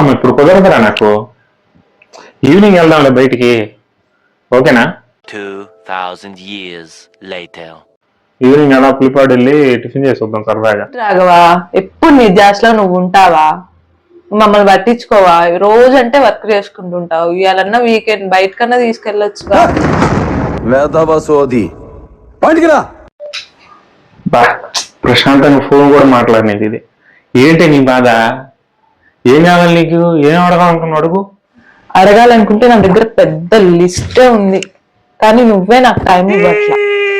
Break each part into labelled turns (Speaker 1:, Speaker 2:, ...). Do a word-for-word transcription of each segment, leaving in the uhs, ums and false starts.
Speaker 1: అమ్మ ఇప్పుడు కుదరదురా నాకు. ఈవినింగ్ వెళ్దాంలే బయటికి, ఓకేనా?
Speaker 2: two thousand years later.
Speaker 1: Evening అలా పులిపాడు వెళ్ళి టిఫిన్ చేసి వద్దాం సరదాగా.
Speaker 3: రాఘవా, ఎప్పుడు నీ ధ్యాసలో నువ్వు ఉంటావా? మమ్మల్ని పట్టించుకోవా? రోజు అంటే వర్క్ చేసుకుంటుంటావు. ఇవాళన్నా వీకెండ్ బయటకన్నా తీసుకెళ్ళొచ్చుగా.
Speaker 1: బా ప్రశాంతంగా ఫోన్ కూడా మాట్లాడినది ఇది. ఏంటి నీ బాధ? ఏం కావాలి నీకు? ఏం అడగాలనుకున్నా అడుగు.
Speaker 3: అడగాలనుకుంటే నా దగ్గర పెద్ద లిస్టే ఉంది, కానీ నువ్వే నాకు టైం ఇవ్వట్లా.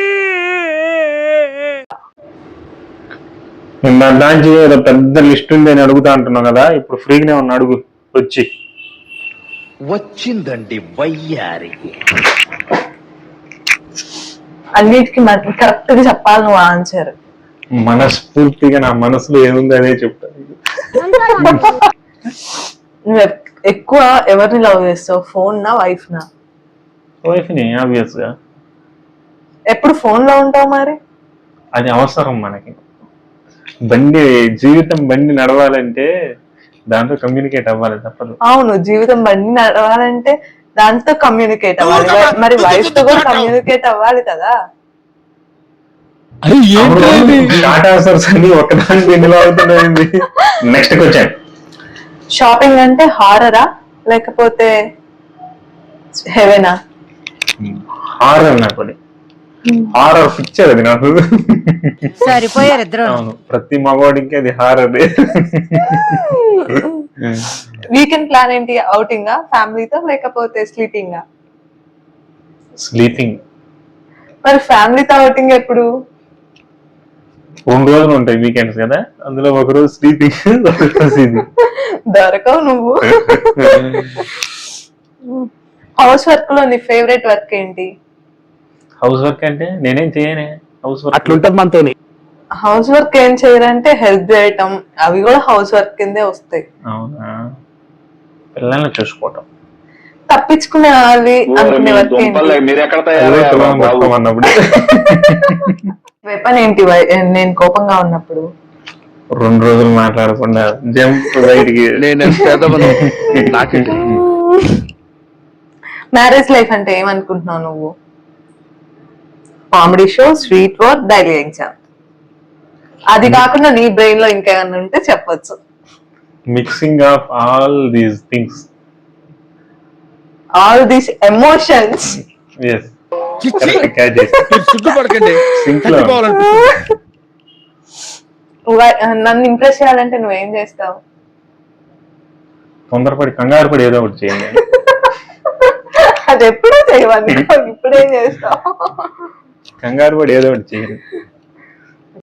Speaker 1: దాంచి ఏదో పెద్ద లిస్ట్ ఉంది అని అడుగుతా అంటున్నావు కదా, ఇప్పుడు ఫ్రీగానే ఉన్న అడుగు వచ్చి.
Speaker 4: వచ్చిందండి వయ్యారి.
Speaker 3: అన్నిటికీ కరెక్ట్ గా చెప్పాలి నువ్వు ఆన్సర్.
Speaker 1: మనస్ఫూర్తిగా నా మనసులో ఏముంది అదే చెప్తాను.
Speaker 3: నువ్వు ఎక్కువ ఎవరిని లవ్ చేస్తావు, ఫోన్ నా వైఫ్ నా?
Speaker 1: వైఫ్ ని ఆబ్వియస్ గా.
Speaker 3: ఎప్పుడు ఫోన్ లో ఉంటావు మరి?
Speaker 1: అది అవసరం మనకి. బండి జీవితం బండి నడవాలంటే దాంతో కమ్యూనికేట్ అవ్వాలి, తప్పదు.
Speaker 3: అవును, జీవితం బండి నడవాలంటే దాంతో కమ్యూనికేట్ అవ్వాలి, మరి వైఫ్ తో కూడా కమ్యూనికేట్ అవ్వాలి కదా.
Speaker 1: షార్ట్ ఆన్సర్స్ అన్ని ఒకదానికి ఎన్నిలో అవుతున్నాయి. Next question.
Speaker 3: షాపింగ్ అంటే హారరా లేకపోతే హెవెనా?
Speaker 1: హారర్ నాకు, అది హారర్ పిక్చర్ అది నాకు.
Speaker 5: సరిపోయారు ఇద్దరు.
Speaker 1: అవును, ప్రతి మగవాడికి అది హారర్.
Speaker 3: వీకెండ్ ప్లాన్ ఏంటి? అవుటింగా ఫ్యామిలీతో లేకపోతే స్లీపింగా?
Speaker 1: స్లీపింగ్.
Speaker 3: మరి ఫ్యామిలీతో అవుటింగ్ ఎప్పుడు?
Speaker 1: రెండు రోజులు ఉంటాయి వీకెండ్స్ కదా, అందులో ఒక రోజు స్లీపింగ్,
Speaker 3: దొరకవు నువ్వు. హౌస్ వర్క్ లో నీ ఫేవరెట్ వర్క్ ఏంటి?
Speaker 1: హౌస్ వర్క్ అంటే నేనేం చేయనే. హౌస్ వర్క్
Speaker 4: అట్లుంటది మనతో.
Speaker 3: హౌస్ వర్క్ ఏం చేయాలంటే హెల్ప్ చేయటం, అవి కూడా హౌస్ వర్క్ కిందే వస్తాయి.
Speaker 1: అవునా? పిల్లల్ని చూసుకోవటం.
Speaker 3: తప్పించుకునే వాళ్ళు అనుకునే వర్క్
Speaker 1: అన్నప్పుడు.
Speaker 3: వెపన్ ఏంటి నేను కోపంగా ఉన్నప్పుడు?
Speaker 1: రెండు రోజులు మాట్లాడకుండా జంప్ బయటికి.
Speaker 3: మ్యారేజ్ లైఫ్ అంటే ఏమనుకుంటున్నావు నువ్వు? Comedy show, sweet work, daily exam. అది కాకుండా నీ బ్రెయిన్ లో ఇంకేమన్నా ఉంటే చెప్పొచ్చు.
Speaker 1: Mixing of all these things,
Speaker 3: all these emotions.
Speaker 1: yes
Speaker 3: నన్ను ఇంప్రెస్ చేయాలంటే నువ్వేం చేస్తావు?
Speaker 1: తొందరపడి కంగారు పడి ఏదో ఒకటి చేయండి.
Speaker 3: అది ఎప్పుడో చేయవాలి, ఇప్పుడేం చేస్తావు?
Speaker 1: కంగారు పడి ఏదో ఒకటి చేయండి.